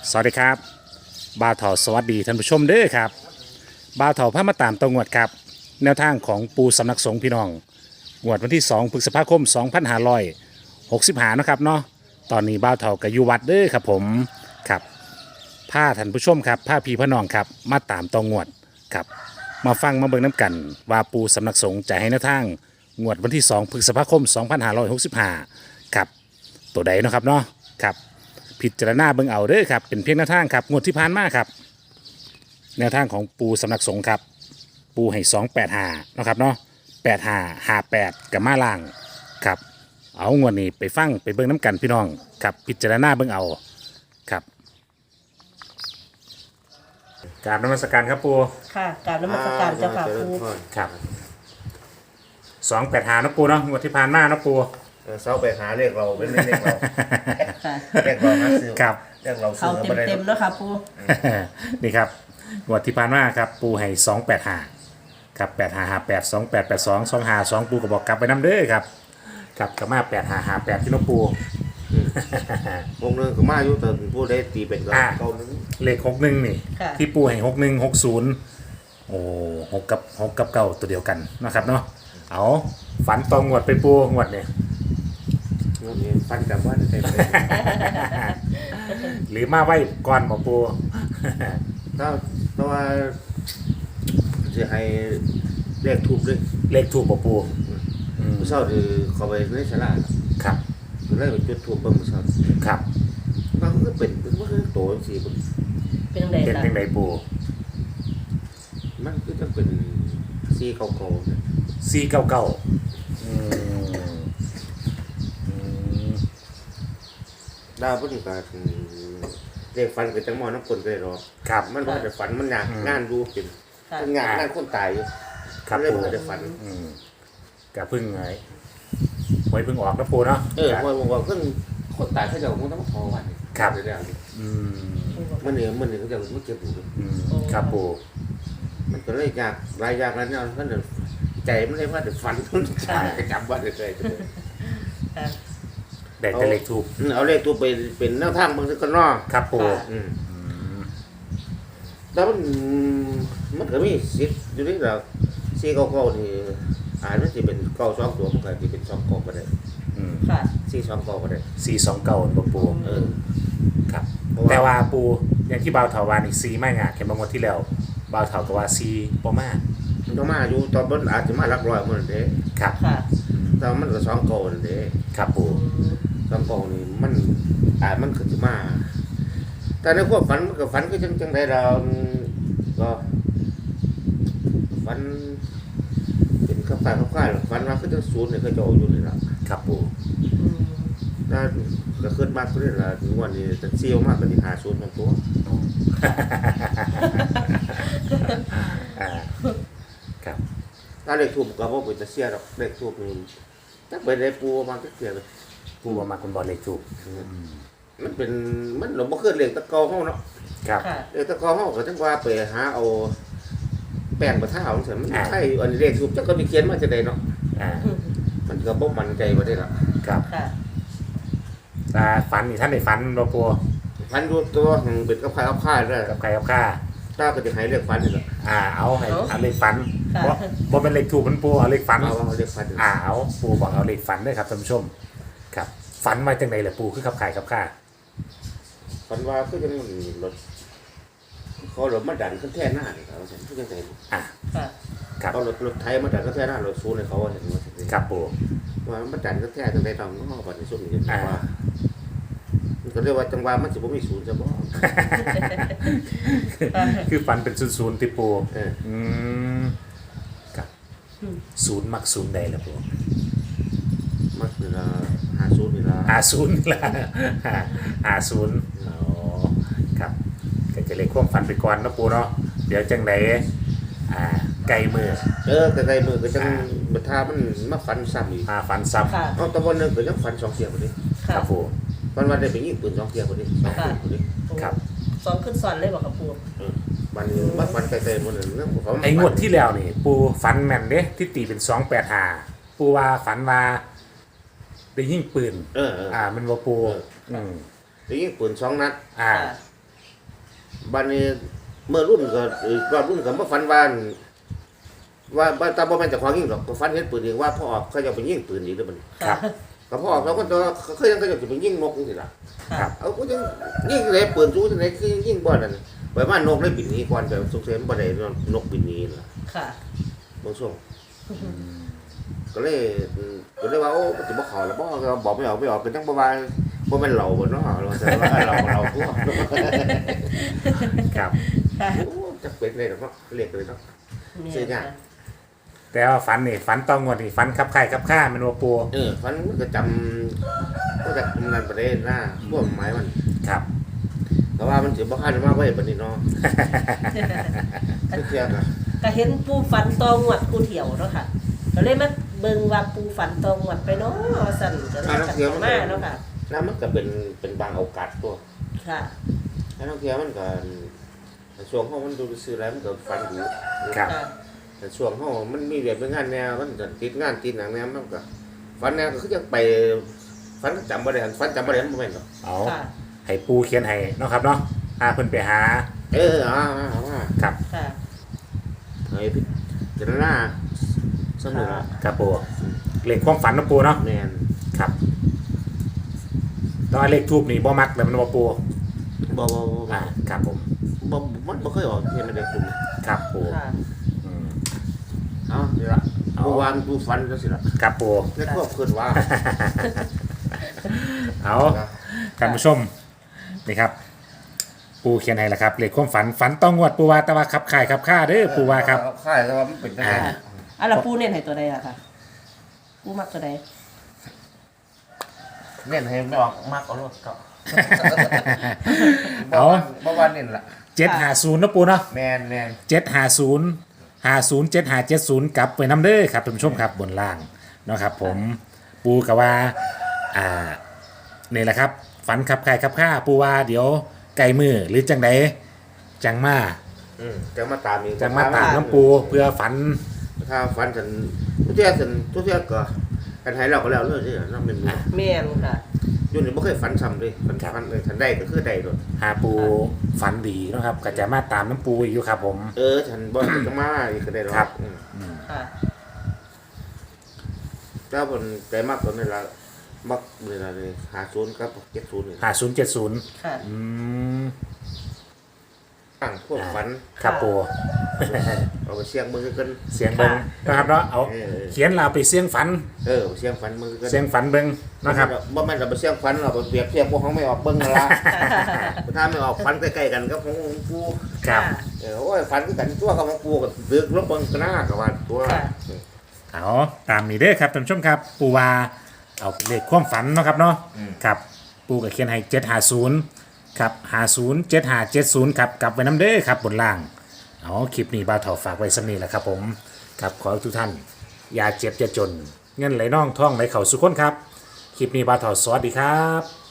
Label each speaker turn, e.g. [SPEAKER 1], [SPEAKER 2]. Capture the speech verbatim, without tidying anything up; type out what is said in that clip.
[SPEAKER 1] สวัสดีครับบ่าวเถาสวัสดีท่านผู้ชมเด้อครับบ่าวเถาพามาตามตรงวดครับแนวทางของปูสำนักสงฆ์พี่น้องงวดวันที่สองพฤษภาคมสองพันห้าร้อยหกสิบห้านะครับเนาะตอนนี้บ่าวเถากับอยู่วัดเด้อครับผมครับพาท่านผู้ชมครับพาพี่พ่อน้องครับมาตามตรงวดครับมาฟังมาเบิ่งน้ำกันว่าปูสำนักสงฆ์จะให้แนวทางงวดวันที่สองพฤษภาคมสองพันห้าร้อยหกสิบห้าครับตัวใดเนาะครับเนาะครับพิจารณาเบิ่งเอาเด้อครับเป็นเพียงแนวทางครับงวดที่ผ่านมาครับแนวทางของปูสำนักสงฆ์ครับปูให้สองแปดห้านะครับเนาะแปดห้าห้าแปดกับมาล่างครับเอางวดนี้ไปฟังไปเบิ่งน้ำกันพี่น้องครับพิจารณาเบิ่งเอาครับกราบนมัสการครับปู
[SPEAKER 2] ค่ะกราบนมัสการเจ้าค่ะครู
[SPEAKER 1] ครับสองแปดห้านะปูเนาะงวดที่ผ่านมานะปู
[SPEAKER 3] เออเสาไปหาเรียกเราเป็นเรียกเรา
[SPEAKER 2] ค่ะ
[SPEAKER 3] เรียกเราหาซื้อ
[SPEAKER 1] ครับ
[SPEAKER 3] เรียกเราซื้
[SPEAKER 2] เขา
[SPEAKER 3] อ
[SPEAKER 2] เต็ม
[SPEAKER 3] มาได้
[SPEAKER 2] เต็มๆแล้วค่ะครู
[SPEAKER 1] นี่ครับงวดที่ผ่านมาครับปูให้สองแปดห้าครับแปดห้าห้าแปดสองแปดแปดสองสองห้าสองปูก็บอกกลับไปน้ำเด้อครับครับกลับมาแปดห้าห้าแปดที่น้องปู
[SPEAKER 3] วงหนึงก็มาอยู่แต่ผู้ได้ตีเป็นก็
[SPEAKER 1] อ่า
[SPEAKER 3] เก้าหนึง
[SPEAKER 1] เลขหกหนึ่งนี่
[SPEAKER 2] ค่ะ
[SPEAKER 1] ที่ปูให้หกหนึ่งหกศูนย์โอ้หกกับหกกับเก้าตัวเดียวกันนะครับเนาะเอาฝันตองงวดไปปูงวดเนี่ย
[SPEAKER 3] นี่ฟันกับว่าได้ไป
[SPEAKER 1] หรือมาไว้ก่อนบอกปู
[SPEAKER 3] ถ้าเพราะว่าจะให้เลขทูบด้วย
[SPEAKER 1] เลขถูกบอกปูอืม
[SPEAKER 3] ผู้เศร้าคือเขาไปในศาลา
[SPEAKER 1] ครับ
[SPEAKER 3] ก็เลยไปจุดทูบเบิ่งผู้เศร้า
[SPEAKER 1] ครับ
[SPEAKER 3] มันก็เป็นเป็นว่าโตจังซี่พุ่น
[SPEAKER 2] เป็นยังไง
[SPEAKER 1] เป็น
[SPEAKER 2] ล่ะ
[SPEAKER 1] ยังไงปู
[SPEAKER 3] มันก็จะเป็นซีเก่าๆเนี่ย
[SPEAKER 1] สี่เก้าเก้าอืมอืม
[SPEAKER 3] ดาวพุ่นก็คือเลขฟันก็จังหมอน้ำคนไปหรอก
[SPEAKER 1] ครับ
[SPEAKER 3] มันว่าจะฝันมันอยาก
[SPEAKER 1] อืม
[SPEAKER 3] งานดูเป็น
[SPEAKER 2] ค่ะ
[SPEAKER 3] เป็นงานงานคนตายอยู่
[SPEAKER 1] ครับ
[SPEAKER 3] เรื่อง
[SPEAKER 1] ปู
[SPEAKER 3] มันจะฝัน
[SPEAKER 1] อืมกะพึ่งไงหวยพึ่งออกนะปูเนาะ
[SPEAKER 3] เออว่าว่าเพิ่งคนตายเขาจะมึงต้องมาทอวัน
[SPEAKER 1] ครับ
[SPEAKER 3] เดี๋ยว
[SPEAKER 1] อืม
[SPEAKER 3] มันเนี่ยมันเนี่ยเขาจะมันเก็บอยู่
[SPEAKER 1] อืมครับปู
[SPEAKER 3] มันก็เลยยากรายยากแล้วเนี่ยมันเนี่ยใจมันเลยว่าเดี๋ยวฝันมันตายจำว่าเดี๋ยวใจ
[SPEAKER 2] ค่ะ
[SPEAKER 1] ได้แต่เลขถูก
[SPEAKER 3] เอาเลขตัวไปเป็นแนวทางบางทีก็นอก
[SPEAKER 1] ครับปู
[SPEAKER 3] อืมแล้วมันมันก็มีสิทธิ์อยู่นี่เราซีเก้าเก้านี่อาจจะเป็นเก้าสองตัวมันก็จะเป็นสองเก้าก็ได้
[SPEAKER 1] อืม
[SPEAKER 2] ค่ะ
[SPEAKER 3] ซีสองเก้าก็ได้
[SPEAKER 1] สี่สองเก้าบอกปู
[SPEAKER 3] เออ
[SPEAKER 1] ครับ
[SPEAKER 3] เพราะว่า
[SPEAKER 1] แต่ว่าปูอย่างที่บ่าวเถาวานี่ซีไม่งาเข็มบางวันที่แล้วบ่าวเถาก็ว่าซีบ่มาก
[SPEAKER 3] มันก็มาอยู่ตอนบนอาจจะมาหลักร้อยมันเด้
[SPEAKER 1] ครับ
[SPEAKER 2] ค่ะ
[SPEAKER 3] แต่มันก็สองเก้านั่นเด้
[SPEAKER 1] ครับปู
[SPEAKER 3] สองเก้านี่มันอาจมันก็จะมา แต่ในความฝันมันก็ฝันก็จังจังไดเราก็ฝันเป็นข้าวฟ่ายข้าวฟ่ายฝันว่าคือจังศูนย์เนี่ยเขาจะเอาอยู่นี่ล่ะ
[SPEAKER 1] ครับปู
[SPEAKER 2] อืม
[SPEAKER 3] ถ้าก็ขึ้นมากขึ้นละถึงวันนี้จะเซียวมากก็ที่หาศูนย์ของตัว
[SPEAKER 1] อ่าครับ
[SPEAKER 3] ถ้าเลขทูบก็บ่เป็นตะเสียดอกเลขทูบนี่จักไปได้ปูมาจักเสียเลย
[SPEAKER 1] ปูว่ามาคุณบอลเลขถูก
[SPEAKER 3] มันเป็นมันหลงบ่ขึ้นเลขตะเกาเฮาเนาะ
[SPEAKER 1] ครับ
[SPEAKER 2] ค่ะ
[SPEAKER 3] เลขตะเกาเฮาก็จังว่าไปหาเอาแป้งประท่าเอาซั่นมัน
[SPEAKER 1] อ่า
[SPEAKER 3] ใช่อันนี้เลขทูบจักก็มีเขียนมาจังไดเนาะ
[SPEAKER 1] อ่า
[SPEAKER 3] มันก็บ่มั่นใจบ่ได้ล่ะ
[SPEAKER 1] ครับ
[SPEAKER 2] ค่ะ
[SPEAKER 1] ตาฝันนี่ท่านได้ฝันบ่ปู
[SPEAKER 3] พันดูตัวหึงเป็นกับใครกับค่ายเด้อ
[SPEAKER 1] กับใครกับข้า
[SPEAKER 3] ถ้าก็จะให้เลขฟันนี่ล่ะ
[SPEAKER 1] อ่าเอาให้
[SPEAKER 2] เอา
[SPEAKER 1] เอาเลขฝัน
[SPEAKER 2] ค่ะ
[SPEAKER 1] บ่บ่เป็นเลขถูกมันปูเอาเลขฝัน
[SPEAKER 3] เอาเอาเลขฟันนี่
[SPEAKER 1] อ่าเอาปูบอกเอาเลขฝันด้วยครับท่านผู้ชมครับฝันมาจังไดล่ะปูคือขับขายกับข้า
[SPEAKER 3] ฟันว่าคือจังมันรถเขารถมาดันขึ้นแท่หน้านี่ครับว่าซั่นคือจังได
[SPEAKER 1] อ่า
[SPEAKER 2] ค่ะ
[SPEAKER 1] ครับ
[SPEAKER 3] เขารถรถไทยมาดันขึ้นแท่หน้ารถซูนให้เขาว่าซั่นว่าซั่น
[SPEAKER 1] ครับปู
[SPEAKER 3] ว่ามันดันขึ้นแท่จังได๋ต้องเนาะบัดนี้ซุ่มนี่
[SPEAKER 1] อ่า
[SPEAKER 3] ว่ามันก็เรียกว่าจังหวะมันสิบ่มีศูนย์ซะบ่
[SPEAKER 1] คือฝันเป็นศูนย์ๆติปู
[SPEAKER 3] เออ
[SPEAKER 1] อืมครับศูนย์มักศูนย์ใดล่ะปู
[SPEAKER 3] มันคือละหาศูนย์นี่ล่ะ
[SPEAKER 1] หาศูนย์นี่ล่ะหาศูนย์อ๋อครับก็จะเลขความฝันไปก่อนเนาะปูเนาะเดี๋ยวจังไดอ่าไกลมือ
[SPEAKER 3] เออแต่ใดมือก็จังบัดทามันมาฟันซ้ำอีก
[SPEAKER 1] อ่าฝันซ้ำ
[SPEAKER 2] ค่ะ
[SPEAKER 3] เอาตะวันนึงก็ยังฟันสองเที่ยวพุ่นนี่
[SPEAKER 1] ค
[SPEAKER 2] ค่ะ
[SPEAKER 1] รับปู
[SPEAKER 3] วันวันได้ไปยิงปืนสองเที่ยวพุ่นนี่สองปืนพุ่นนี่
[SPEAKER 1] ครับ
[SPEAKER 2] สองขึ้นซ้อนเลยบอกกับครู
[SPEAKER 3] เออวันนี้มาฟันไกลๆหมดเลยเรื่องของเขา
[SPEAKER 1] ไอ้งวดที่แล้วนี่ปูฝันแม่นเด้ที่ตีเป็นสองแปดห้าปูว่าฝันว่าได้ยิงปืน
[SPEAKER 3] เออเออ
[SPEAKER 1] อ่ามันว่าปู
[SPEAKER 3] เออ
[SPEAKER 1] อืม
[SPEAKER 3] ได้ยิงปืนสองนัด
[SPEAKER 1] อ่า
[SPEAKER 2] ค่ะ
[SPEAKER 3] บัดนี้เมื่อรุ่นก็เอ่อรอบรุ่นก็มาฝันว่าอั่นว่าว่าตาบ่แม่นเจ้าของยิงหรอกก็ฝันเห็นปืนอีกว่าพ่อออกเขาจะไปยิงปืนอีกเด้อบัดนี้
[SPEAKER 1] ครับ
[SPEAKER 3] ก็พ่อออกแล้วก็ตัวเขายังก็จะไปยิงนกจังซี่ล่ะ
[SPEAKER 1] ครับ
[SPEAKER 3] เอาก็ยังยิงเลยปืนสู้จังได๋คือยิงบ่นั่นไปว่านกเลยบินหนีก่อนแต่สงสัยมันบ่ได้นกบินหนีล่ะ
[SPEAKER 2] ค่ะ
[SPEAKER 3] บางช่วงก็เลยก็เลยว่าโอ้มันจะบ่เข้าแล้วบ่ก็บอกไม่ออกไม่ออกก็จังบ่ว่าบ่แม่นเราบ่เนาะเราแต่ว่าเราเราพวก
[SPEAKER 1] ครับ
[SPEAKER 2] ค่ะ
[SPEAKER 3] โอ้จักเป็นเลยเนาะเรียกเลยเนาะ ซื้อยาก
[SPEAKER 1] แต่ว่าฝันนี่ฝันต้องงวดนี่ฝันขับไข่ขับข้ามันว่าปู
[SPEAKER 3] เออฝันมันก็จำก็จะนั่นประเด็นหน้าพวกหมายมัน
[SPEAKER 1] ครับ
[SPEAKER 3] แต่ว่ามันสิบ่คันมาไว้บัดนี้เนาะเที่ยงอ่ะ
[SPEAKER 2] ก็เห็นปูฝันตองหวดปูเถียวเนาะค่ะก็เลยมาเบิ่งว่าปูฝันตองหวดไปเนาะสั่นก็เลยจัดมาเนาะค่ะ
[SPEAKER 3] แล้วมันก็เป็นเป็นบางโอกาสตัว
[SPEAKER 2] ค่ะ
[SPEAKER 3] แล้วบางเที่ยมันก็ช่วงเฮามันดูซื่อแล้วมันก็ฝันอยู่
[SPEAKER 1] ครับ
[SPEAKER 2] ค่ะ
[SPEAKER 3] แต่ช่วงเฮามันมีเรียนเป็นงานแนวมันก็ติดงานติดหนังแนวมันก็ฝันแนวก็คือยังไปฝันจำบ่ได้ฝันจำบ่ได้มันบ่แม่นดอก
[SPEAKER 1] เอา
[SPEAKER 2] ค่ะ
[SPEAKER 1] ให้ปูเขียนให้เนาะครับเนาะพาเพิ่นไปหา
[SPEAKER 3] เอออ่าอ่าอ่า
[SPEAKER 1] ครับ
[SPEAKER 2] ค่ะ
[SPEAKER 3] เฮ้ยพี่เจรนาสนุกละ
[SPEAKER 1] ครับปูเลขความฝันเนาะปูเนาะ
[SPEAKER 3] แม่น
[SPEAKER 1] ครับแตอนเลขทูบนี่บ่มักแต่มันว่าปู
[SPEAKER 3] บ่บ่บ่
[SPEAKER 1] อ่าครับผม
[SPEAKER 3] บ่มันบ่เคยออกเฮ็ดไม่ได้คุณ
[SPEAKER 1] ครับปู
[SPEAKER 2] ค่ะ
[SPEAKER 1] อืม
[SPEAKER 3] เอ้านี่ล่ะ
[SPEAKER 1] เอา
[SPEAKER 3] เมื่อวานกูฝันจังซี่ล่ะ
[SPEAKER 1] ครับปู
[SPEAKER 3] ในครอบครัวว่า
[SPEAKER 1] เอาท่านผู้ชมนี่ครับ ปูเขียนให้แล้วครับเลขความฝันฝันต้องงวดปูว่าแต่ว่าขับข่ายขับข้าเด้อปูว่าครับ
[SPEAKER 3] ค่ายแต่ว่ามันเป็นจังได๋
[SPEAKER 1] อ่า
[SPEAKER 2] อ่ะแล้วปูเน้นให้ตัวใดอะค่ะ ปูมักตัวใด
[SPEAKER 3] เน้นให้ไม่ออกมากเอารถก็
[SPEAKER 1] เอา
[SPEAKER 3] บ่ว่าเน้นล่ะ
[SPEAKER 1] เจ็ดหาศูนย์นะปูเนาะ
[SPEAKER 3] แม่นแม่น
[SPEAKER 1] เจ็ดหาศูนย์หาศูนย์เจ็ดหาเจ็ดศูนย์กลับไปน้ำเด้อครับท่านผู้ชมครับบนล่างเนาะครับ ผมปูกับว่าอ่านี่แหละครับ ฝันขับใครขับข้าปูว่าเดี๋ยวไก่มือหรือจังใดจังมา
[SPEAKER 3] อืมจังมาตามอีก
[SPEAKER 1] จังมาตามน้ำปูเพื่อฝัน
[SPEAKER 3] ถ้าฝันฉันทุกเที่ยฉันทุกเที่ยก็กันให้เราก็แล้วเลยสิเนาะแม่นบ่
[SPEAKER 2] แม่นค่ะ
[SPEAKER 3] อยู่นี่บ่เคยฝันซ้ำเลยฝันฝันเลยทันได้ก็คือได้โดด
[SPEAKER 1] หาปูฝันดีเนาะครับก็จะมาตามน้ำปูอีกอยู่ครับผม
[SPEAKER 3] เออฉันบ่จะมาอีกก็ได้หรอก
[SPEAKER 1] ครับ
[SPEAKER 3] อืม
[SPEAKER 2] ค่ะ
[SPEAKER 3] ถ้าผมใจมากตอนนี้ละมักเวลาเลยหาศูนย์ครับเจ็ดศูนย์นี่
[SPEAKER 1] หาศูนย์เจ็ดศูนย์
[SPEAKER 2] ค่ะ
[SPEAKER 1] อืม
[SPEAKER 3] ตั้งพวกฝัน
[SPEAKER 1] ครับปู
[SPEAKER 3] เอาไปเสียงมือกัน
[SPEAKER 1] เสียงเบิงนะครับเนาะเอา
[SPEAKER 3] เออ
[SPEAKER 1] เขียนเราไปเสียงฝัน
[SPEAKER 3] เออเสียงฝันมือกัน
[SPEAKER 1] เสียงฝันเบิงนะครับ
[SPEAKER 3] บ่แม่นเราไปเสียงฝันเราไปเปรียบเทียบพวกเขาไม่ออกเบิ่งนั่นละ ถ้าไม่ออกฝันใกล้ๆกันกับของปู
[SPEAKER 1] ครับ
[SPEAKER 3] เออโอ้ยฝันคือกันตัวกับของปูก็ดึกลบเบิ่งกันหน้ากับว่าตัว
[SPEAKER 2] ค่ะ
[SPEAKER 1] เอาตามนี้เด้อครับท่านผู้ชมครับปูว่าเอาเลขความฝันเนาะครับเนาะครับปูกับเขียนให้เจ็ดหาศูนย์ครับหาศูนย์เจ็ดหาเจ็ดศูนย์ครับกลับไว้น้ำเด้อครับบนล่างเอาคลิปนี้บ่าวเถาฝากไว้สำนีแหละครับผมครับขอให้ทุกท่านอย่าเจ็บอย่าจน เงินไหลน่องท่องไหลเข่าสุขคนครับคลิปนี้บ่าวเถาสวัสดีครับ